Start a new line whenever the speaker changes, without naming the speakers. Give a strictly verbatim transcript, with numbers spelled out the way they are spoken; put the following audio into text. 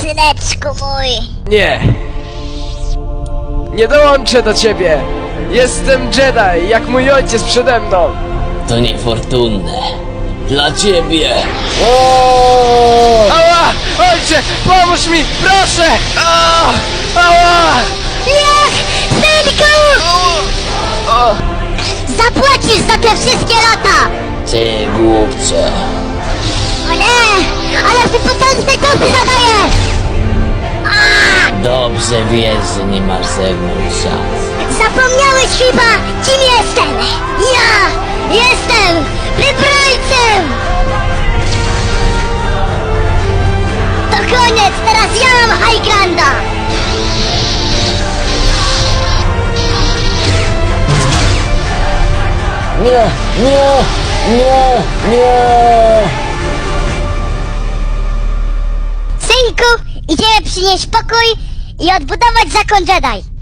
syneczku mój.
Nie. Nie dołączę do ciebie. Jestem Jedi, jak mój ojciec przede mną.
To niefortunne. Dla ciebie.
Ała! Ojcze, pomóż mi, proszę! Ała! Ała!
Nie! Synku! Zapłacisz za te wszystkie lata!
Ty głupcze.
O nie! Ale ty potężne kupy zadajesz!
Dobrze wiesz, że nie masz ze mną szans.
Zapomniałeś chyba, kim jestem! Ja jestem wybrańcem! To koniec, teraz ja mam High Grounda!
Nie, nie, nie, nie.
Synku, idziemy przynieść pokój i odbudować zakon Jedi.